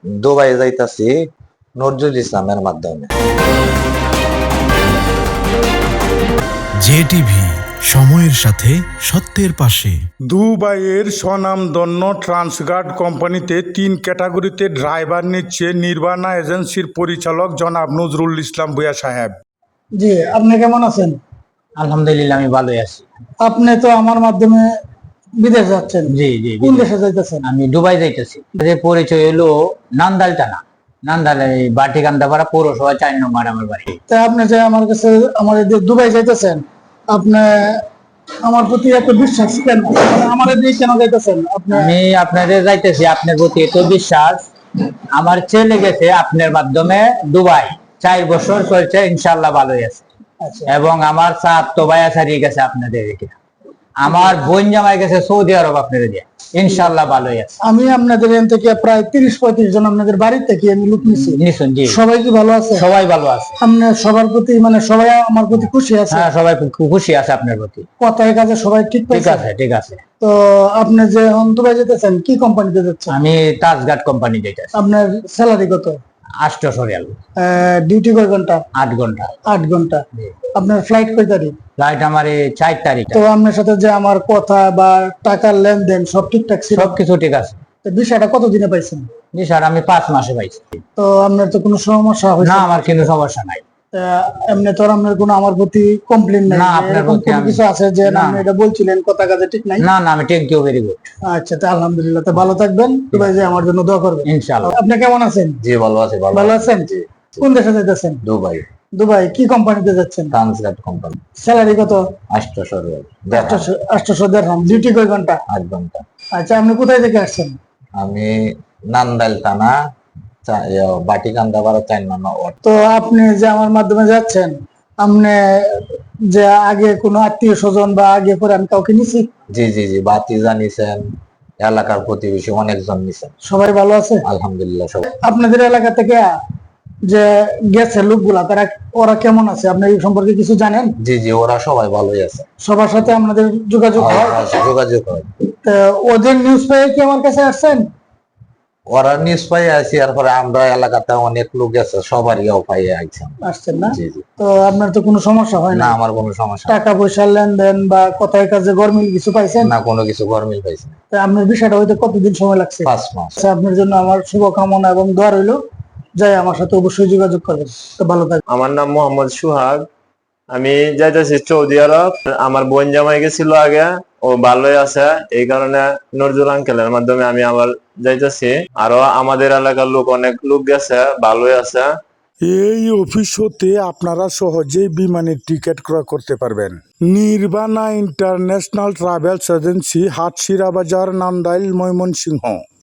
Dubai যাইতাছি নজরুল ইসলামের মাধ্যমে। জেটিভি, সময়ের সাথে সত্যের পাশে। দুবাইয়ের স্বনামধন্য ট্রান্সগার্ড কোম্পানিতে 3 ক্যাটাগরিতে ড্রাইভার নিচ্ছে নির্বাণা এজেন্সির পরিচালক জনাব নজরুল ইসলাম ভূঁইয়া সাহেব। জি, আপনি কেমন আছেন? আলহামদুলিল্লাহ, আমি ভালোই আছি। আপনি তো আমার মাধ্যমে বিদেশ যাচ্ছেন। জি জি, কোন দেশে যাইতেছেন? আমি দুবাই যাইতেছি। যে পরিচয় হলো নান্দাল টানা, নান্দাল এই বাটিকান্দাপাড়া পৌরসভা 4 নম্বর আমার বাড়ি। তা আপনি যে আমার কাছে দুবাই যাইতেছেন, আপনি আমার প্রতি এত বিশ্বাস কেন? আমার দিয়ে কেন যাইতেছেন আপনি? আমি আপনাদের যাইতেছি, আপনার প্রতি এত বিশ্বাস। আমার ছেলে গেছে আপনার মাধ্যমে দুবাই, 4 বছর চলছে, ইনশাল্লাহ ভালোই আছে। আচ্ছা, এবং আমার তো ভাই হারিয়ে গেছে আপনাদের এখানে। আমার বোন জামাই গেছে সৌদি আরব আপনাদের দিয়ে, ইনশাল্লাহ ভালোই আছে। আমি আপনাদের এখান থেকে প্রায় 30-35 জন আপনাদের বাড়ি থেকে আমি লোক নিছি। নিশুন জি, সবাই কি ভালো আছে? সবাই ভালো আছে। আপনি সবার প্রতি সবাই আমার প্রতি খুশি আছে? হ্যাঁ, সবাই খুশি আছে আপনার প্রতি। কথায় কাজে সবাই ঠিক ঠিক পাইছে? আছে, ঠিক আছে। তো আপনি যে দুবাই যেতেছেন, কি কোম্পানিতে যাচ্ছেন? আমি তাজগার্ড কোম্পানি যেতেছি। আপনার স্যালারি কত? 800 রিয়াল। ডিউটি কয় ঘন্টা? 8 ঘন্টা। 8 ঘন্টা। আপনার ফ্লাইট কয় তারিখ? ফ্লাইট আমার 4 তারিখ। তো আপনার সাথে যে আমার কথা বা টাকার লেনদেন সব ঠিকঠাক ছিল? সবকিছু ঠিক আছে। তো বিষয়টা কতদিনে পাইছেন? জি স্যার, আমি 5 মাসে পাইছি। তো আপনার তো কোনো সমস্যা হয়েছে না, না? আমার কোনো সমস্যা নাই। এমনি তো আপনার কোনো আমার প্রতি কমপ্লেন নাই? না, যে আপনার এরকম প্রতি কোনো আমি- কিছু আছে যে না। আপনি এটা বলছিলেন কথা কাজে ঠিক নাই? না না, আমি থ্যাংক ইউ, ভেরি গুড। আচ্ছা, তো আলহামদুলিল্লাহ। তো ভালো থাকবেন, দুবাই যে আমার জন্য দোয়া করবেন ইনশাআল্লাহ। আপনি কেমন আছেন? জি ভালো আছি। ভালো আছেন? কোন দেশে যাইতেছেন? দুবাই দুবাই কি কোম্পানিতে যাচ্ছেন? Transguard company. স্যালারি কত? 800 রিয়াল। 800 দেড়হাম। ডিউটি কয় ঘন্টা? 8 ঘন্টা। আচ্ছা, আপনি কোথায় থেকে আসছেন? আমি নান্দাইল থানা বাটিকান্দাপাড়া 4 নম্বর ওয়ার্ড। তো আপনি যে আমার মাধ্যমে যাচ্ছেন, আপনি যে আগে কোনো আত্মীয় স্বজন বা আগে করে আমি কাউকে নিছি? জি জি জি, বাতি জানিছেন, এলাকার প্রতিবেশী অনেকজন নিছেন। সবাই ভালো আছে? আলহামদুলিল্লাহ সবাই। আপনাদের এলাকা থেকে যে গেছে লোকগুলা, ওরা কেমন আছে? আপনি এই সম্পর্কে কিছু জানেন? জি জি, ওরা সবাই ভালোই আছে। সবার সাথে আপনাদের যোগাযোগ হয়? যোগাযোগ হয়। তো ওদের নিউজ পেয়ে কি আমার কাছে আসছেন? ওরা নিউজ পাই আছি, এরপরে আমরা এলাকাতে অনেক লোক আছে, সবারই পাই আইছেন। আসছেন না? জি জি। তো আপনার তো কোনো সমস্যা হয় না, না? আমার কোনো সমস্যা নেই। টাকা পয়সার লেনদেন বা কথায় কাজে গরমিল কিছু পাইছেন? না, কোনো কিছু গরমিল পাইছি না। তো আপনার বিষয়টা হইতে কতদিন সময় লাগছে? 5 মাস। আচ্ছা, আপনার জন্য আমার শুভকামনা এবং দোয়া রইল। যাই, আমার সাথে অবশ্যই যোগাযোগ করবেন। তো ভালো থাকবেন। আমার নাম মোহাম্মদ সুহাগ। আমি যাইতেছি সৌদি আরব। আমার বোন জামাই গেছিল আগে, ও ভালোই আছে। এই কারণে নজরুল আঙ্কেলের মাধ্যমে আমি আবার যাইতেছি। আরো আমাদের এলাকার লোক, অনেক লোক গেছে, ভালোই আছে। এই অফিস হতে আপনারা সহজেই বিমানের টিকিট ক্রয় করতে পারবেন। Nirbana international travels agency, Hatshira Bazar, Nandail, Mymensingh.